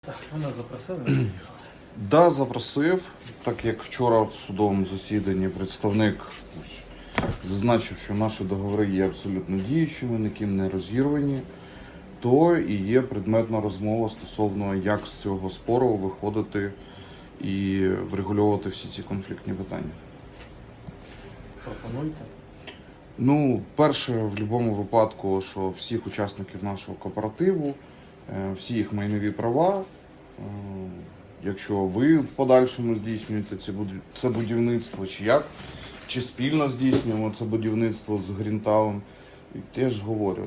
Ви нас запросили? Да, запросив, так як вчора в судовому засіданні представник зазначив, що наші договори є абсолютно діючими, ніким не розірвані, то і є предметна розмова стосовно, як з цього спору виходити і врегульовувати всі ці конфліктні питання. Пропонуйте. Ну, перше, в будь-якому випадку, що всіх учасників нашого кооперативу, всі їх майнові права, якщо ви в подальшому здійснюєте це будівництво, чи спільно здійснюємо це будівництво з Грінтаун, і теж говорю.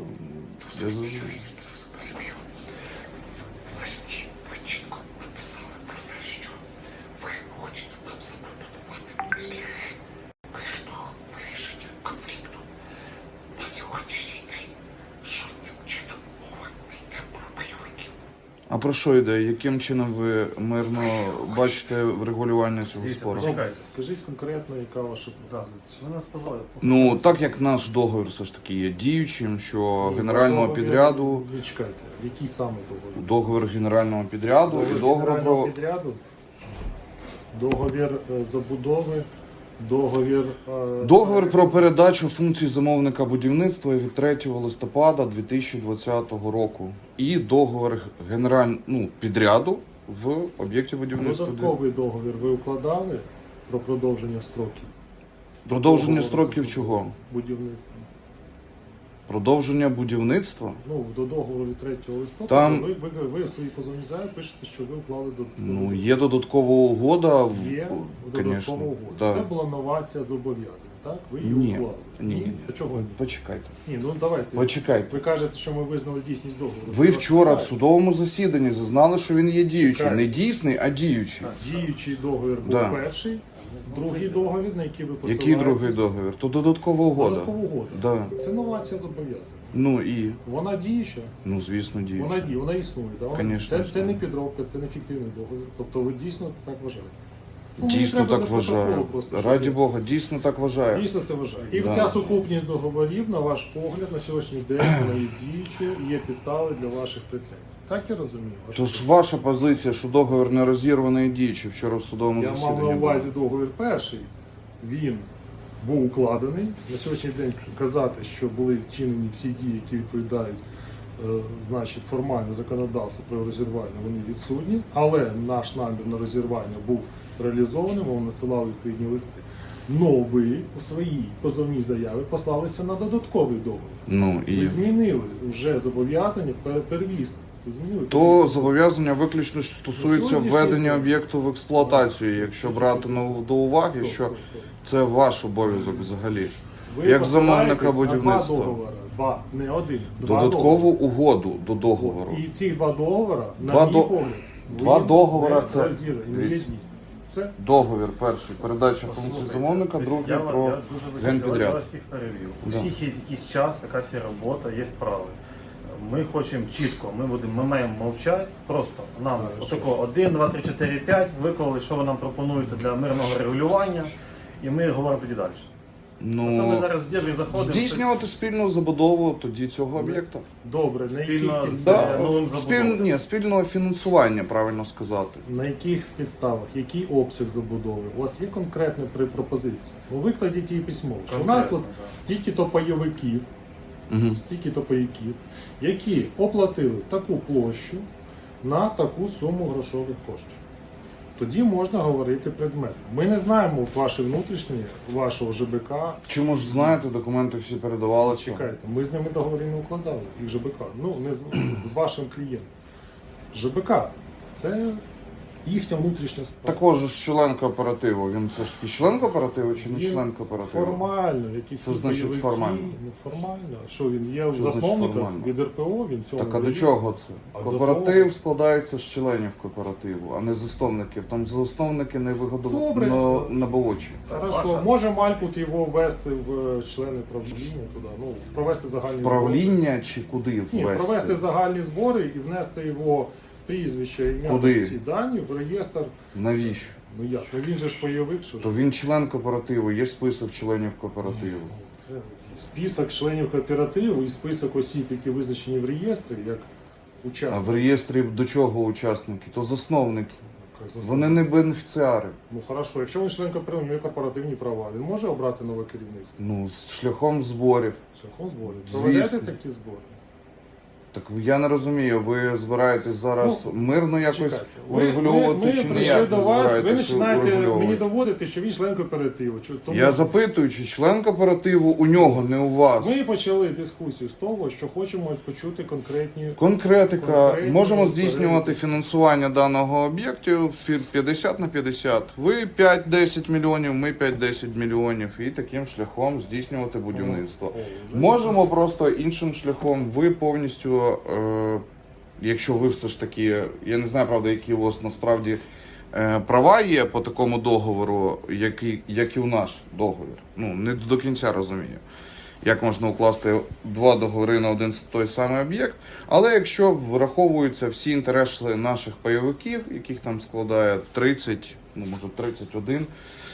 В листі ви чітко написали про те, що ви хочете нам запропонувати шляхи мирного вирішення конфлікту. На сьогоднішній день жодним чином мова не йде про бойовиків. А про що йде? Яким чином ви мирно бачите врегулювання цього спору? Почекайте. Скажіть конкретно, яка ваша пропозиція? Ви нас позвали. Ну, так як наш договір все ж таки є діючим, що генерального підряду, Не чекайте, який саме договір? договір генерального підряду і договір генерального про... підряду, договір забудови, договір... Договір про передачу функцій замовника будівництва від 3 листопада 2020 року і договір підряду в об'єкті будівництва. Додатковий договір ви укладали про продовження строків? Продовження Договору строків забудови, чого? Будівництва. Продовження будівництва? Ну, до договору від 3 листопада Там- ви в своїй позовній заяві пишете, що ви уклали додатковий Ну, є додаткова угода. Є Конечно, додаткова угода. да. Це була новація зобов'язань, так? Ви її Ні, уклали. ні. А чого ні? Почекайте. Ні, ну давайте. Почекайте. Ви кажете, що ми визнали дійсність договору. Ви вчора в судовому засіданні зазнали, що він є діючий. Чекайте. Не дійсний, а діючий. Діючий договір був Да. перший, другий договір, на який ви посилаєтесь. Який другий договір? То додаткова угода. Додаткова угода. Да. Це новація зобов'язань. Ну і, Вона діюча, ну звісно, вона діючий. діє, вона існує. Да? Конечно, Це існує. не підробка, це не фіктивний договір. Тобто ви дійсно так вважаєте. Ну, мені Дійсно треба так без протоколу вважаю. просто, щоб Раді ви- Бога, дійсно так вважаю. Дійсно це вважаю. І Да. ця сукупність договорів, на ваш погляд, на сьогоднішній день вона є діючою і є підстави для ваших претензій. Так я розумію? Тож ваша позиція, що договір не розірваний і діючий вчора в судовому Я мав засіданні. на була. увазі договір перший. Він був укладений. На сьогоднішній день казати, що були вчинені всі дії, які відповідають значить, формально законодавству про розірвання, вони відсутні. Але наш намір на розірвання був реалізований, ми надсилали відповідні листи. Но ви у своїй позовній заяві послалися на додатковий договір. Ну Ви і змінили вже зобов'язання первісне. Ви змінили то первісне. зобов'язання виключно стосується Сьогоднішній введення день. об'єкту в експлуатацію, якщо брати до уваги, Стоп, що стоп, стоп. це ваш обов'язок взагалі. Ви як посилаєтесь замовника на будівництва. Два договори. Два, не один. Два Додаткову договори. угоду до договору. І ці два договори, Два на до- мій погляд, два ви договори не це- розірвані, не є дивіться. дійсними. Це Договір перший передача функцій замовника, другий про Я генпідряд. вас всіх перевів. У Да. всіх є якийсь час, якась є робота, є справи. Ми хочемо чітко, ми маємо мовчати, просто нам отако 1, 2, 3, 4, 5 виклали, що ви нам пропонуєте для мирного регулювання, і ми говоримо тоді далі. Тобто ми Ну, зараз в дебрі заходимо. здійснювати спільну забудову тоді цього об'єкта. добре. Спільно з- Да, новим забудовою. спільного фінансування, правильно сказати. На яких підставах, який обсяг забудови? У вас є конкретна пропозиція? Ну, викладіть її письмово. Що у нас от Конкретно, да. стільки-то пайовиків, Угу. стільки-то пайовиків, які оплатили таку площу на таку суму грошових коштів. Тоді можна говорити предметно. Ми не знаємо ваші внутрішні, вашого ЖБК. Чому ж знаєте, документи всі передавали. Чекайте, ми з ними договори не укладали, їх ЖБК. Ну, не з вашим клієнтом. ЖБК це їхня внутрішня справа. Також ж член кооперативу. Він все ж таки член кооперативу чи не Він член кооперативу? Формально, які всі Що значить бойовики, формально? ну, формально. Що він є Що значить засновником формально? від РПО, він цього Так а до не чого це? А до Кооператив того- складається з членів кооперативу, а не засновників. Там засновники не Добре. наболочі. Хорошо, Ваша- може Малькут його ввести в члени правління туди, ну, провести загальні збори. Правління чи куди Ні, ввести? провести загальні збори і внести його прізвище, ім'я, Куди? ці дані в реєстр. Навіщо? Ну як? Ну він же ж бойовик, що ж. То він член кооперативу, є список членів кооперативу. Це список членів кооперативу і список осіб, які визначені в реєстрі, як А учасників. в реєстрі до чого учасники? То засновники. Як засновник. Вони не бенефіціари. Ну хорошо, якщо він член кооперативу, у нього корпоративні права, він може обрати нове керівництво? Ну, з шляхом зборів. Шляхом зборів. Звісно. Проведете такі збори? Так я не розумію, ви збираєтесь зараз мирно якось Чекайте. урегульовувати Ми чи прийшли ніяк до вас, ви збираєтесь починаєте урегульовувати? мені доводити, що він член кооперативу. Тому Я запитую, чи член кооперативу у нього, не у вас. ми почали дискусію з того, що хочемо почути конкретні. Конкретика. Конкретні Можемо відповіді. здійснювати фінансування даного об'єкту 50 на 50. Ви 5-10 мільйонів, ми 5-10 мільйонів. І таким шляхом здійснювати будівництво. Можемо просто іншим шляхом. Ви повністю, якщо ви все ж таки, я не знаю, правда, які у вас насправді права є по такому договору, як і у наш договір. Ну, не до кінця розумію, як можна укласти два договори на один той самий об'єкт. Але якщо враховуються всі інтереси наших пайовиків, яких там складає 30, ну може 31,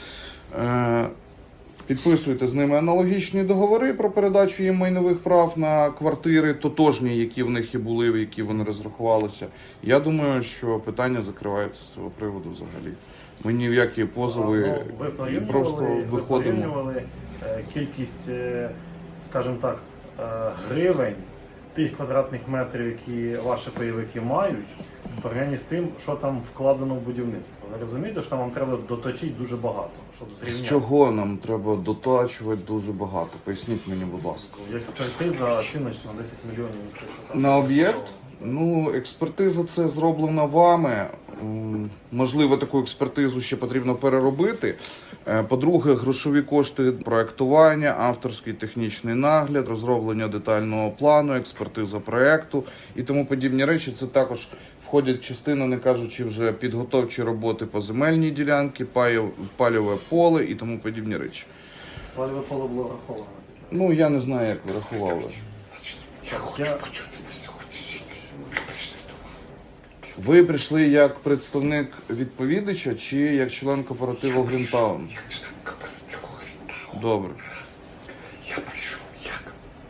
підписуєте з ними аналогічні договори про передачу їм майнових прав на квартири, тотожні, які в них і були, в які вони розрахувалися. Я думаю, що питання закривається з цього приводу взагалі. Ми ні в які позови Ви і просто порівнювали, виходимо. кількість, скажімо так, гривень тих квадратних метрів, які ваші пайовики мають, в порівнянні з тим, що там вкладено в будівництво. Ви розумієте, що там вам треба доточити дуже багато, щоб З зрівняти? чого нам треба дотачувати дуже багато? Поясніть мені, будь ласка. Експертиза оціночна 10 мільйонів. якщо що там. На об'єкт? Ну, експертиза це зроблена вами. Можливо, таку експертизу ще потрібно переробити. По-друге, грошові кошти проектування, авторський технічний нагляд, розроблення детального плану, експертиза проекту і тому подібні речі. Це також входять частину, не кажучи вже підготовчі роботи по земельній ділянці, пальове поле і тому подібні речі. Пальове поле було враховано. Ну, я не знаю, як ви рахували. Я хочу почути на сьогоднішній день. Ми прийшли до вас. Ви прийшли як представник відповідача чи як член кооперативу Грінтаун? Як член кооперативу Грінтаун. Добре. Я прийшов як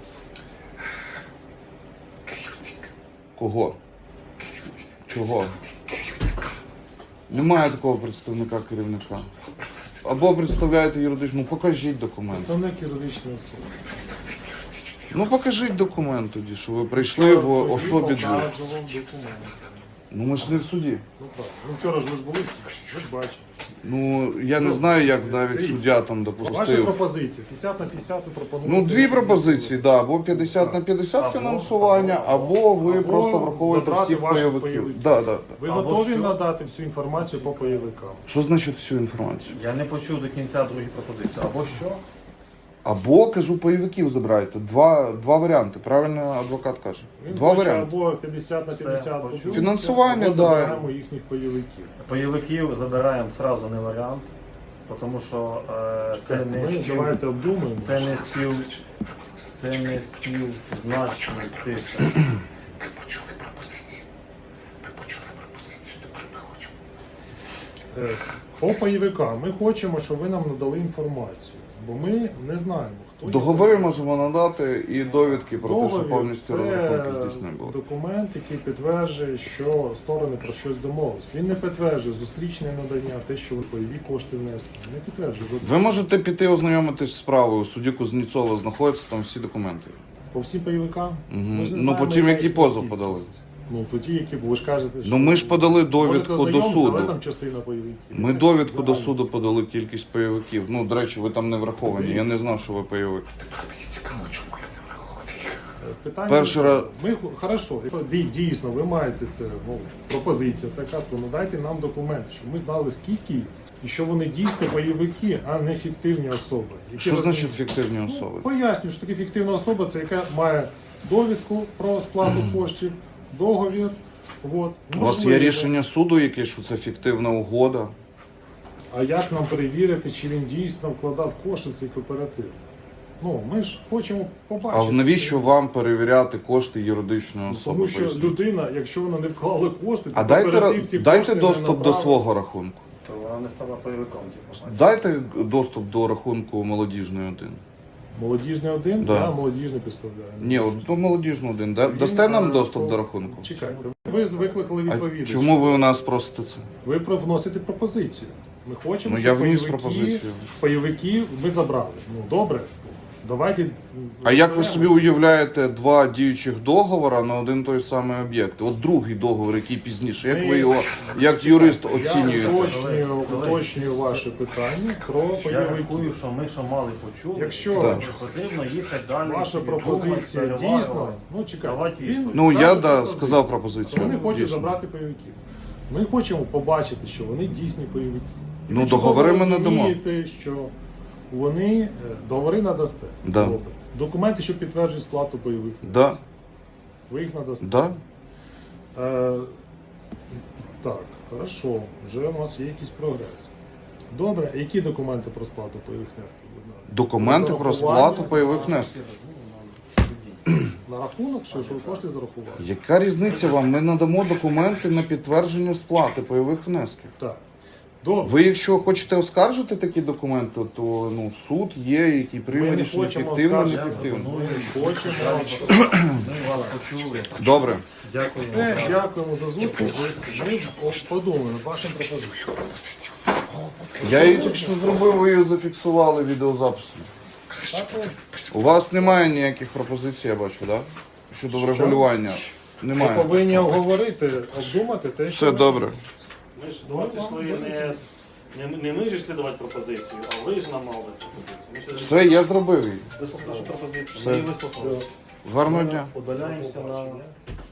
керівник. Кого? Керівник. Чого? Керівника. Немає такого представника керівника. Принести Або представляєте юридичну, ну покажіть документ. Представник юридичної особи. представник юридичної. Ну покажіть документ тоді, що ви прийшли в особі двох. Ну ми ж не в суді. Ну так. Ну вчора ж ви ж були, ви ж бачите. Ну я не знаю, як навіть суддя там Ваші допустив. пропозиції 50 на 50 ви пропонуєте. Ну дві пропозиції, да, або 50 на 50 фінансування, або ви або просто враховуєте забрати всіх ваших пайовиків. пайовиків. Да, да, да. Ви Або готові що? надати всю інформацію по пайовикам? Що значить всю інформацію? Я не почув до кінця другу пропозицію. Або що? Або, кажу, пайовиків забирайте. Два варіанти, правильно адвокат каже. Він Два хоче варіанти. або 50 на 50 Це почув, фінансування, або да. забираємо їхніх пайовиків. Пайовиків забираємо зразу не варіант, тому що це не Ми давайте обдумаємо. це не співзначні цифри. Ми почули пропозиції. Ми почули пропозицію, тепер ми хочемо. По пайовикам ми хочемо, щоб ви нам надали інформацію, бо ми не знаємо, хто є Договори пайовик. можемо надати і довідки про те, що Договір повністю розрахунки здійснені були. документ, який підтверджує, що сторони про щось домовились. Він не підтверджує зустрічне надання, те, що ви пайові кошти внесли. Не підтверджує. Ви можете піти ознайомитись з справою. У суді Кузнєцова знаходяться там всі документи. По всім пайовикам? Ми ж не Ну знаємо, потім які які позов кількість. подали. Ну тоді які, бо ви ж кажете, що... Ну ми ж подали Можете довідку до ознайомитися, але суду. там частина пайовиків. Ми довідку до Загально. суду подали кількість пайовиків. Ну, до речі, ви там не враховані. Я не знав, що ви пайовик. Тепер мені цікаво, чому я не врахований. Питання, Перший раз- Ми, хорошо, дійсно, ви маєте це, ну, пропозиція така, то надайте нам документи, щоб ми знали скільки і що вони дійсно пайовики, а не фіктивні особи. які Що значить розуміють. фіктивні Ну, особи? поясню, що таке фіктивна особа, це яка має довідку про сплату коштів, договір. От, У вас є можливо. рішення суду, яке, що це фіктивна угода? А як нам перевірити, чи він дійсно вкладав кошти в цей кооператив? Ну, ми ж хочемо побачити. А навіщо вам перевіряти кошти юридичної особи? Тому що Поясніть. людина, якщо вона не вклала кошти, А то дайте, кооператив ці дайте кошти не доступ до направив. свого рахунку. То вона не стала пайовиком. Типу. Дайте доступ до рахунку молодіжної 1. Молодіжний один, Да. я молодіжний представляю. Ні, от до молодіжну один. Дасте нам доступ до рахунку? Чекайте, ви викликали А відповідача. чому ви у нас просите це? Ви вносите пропозицію. Ми хочемо, Ну, щоб я вніс пропозицію. пайовики ви забрали. Ну добре, давайте. А як ви собі уявляєте два діючих договори на один той самий об'єкт? От другий договор, який пізніше, як ви його як юрист Я оцінюєте? уточнюю ваше питання про Я пайовики. рахую, що ми що мали почули. Якщо Так. Потрібно їхати далі. ваша собі пропозиція думати, дійсна, переварювати. ну чекайте, Давайте він Ну, я каже да, пропозицію. сказав пропозицію. Вони хочуть Дійсно. забрати пайовиків. Ми хочемо побачити, що вони дійсні пайовики. І Ну, ви чудово договори ми надамо. розумієте, що вони договори надасте. Да. Добре. Документи, що підтверджують сплату пайових, Да, ви їх надасте. да. Так, хорошо, вже у нас є якийсь прогрес. Добре, які документи про сплату пайових внесків? будь ласка? Документи про сплату пайових внесків. На рахунок, що ви кошти зарахували? Яка різниця вам? Ми надамо документи на підтвердження сплати пайових внесків. Так. Добре. Ви, якщо хочете оскаржити такі документи, то ну, суд є, який Ми прийме не рішення хочемо ефективно, оскаржити. неефективно. Ми хочемо. Ми вас почули. Добре. Дякую. Все, дякуємо за зустріч. Ми подумаємо над вашим пропозицією. Я її тільки що зробив, ви її зафіксували відеозаписом. У вас немає ніяких пропозицій, я бачу, так? Щодо врегулювання. Ми Немає. повинні обговорити, обдумати те, що Все добре. Ми ж до вас йшли не ми ж йшли давати пропозицію, а ви ж нам мали пропозицію. Ми ж Все, я зробив її. вислухали нашу пропозицію. Все. Ми її вислухали. Гарного дня. Удаляємося на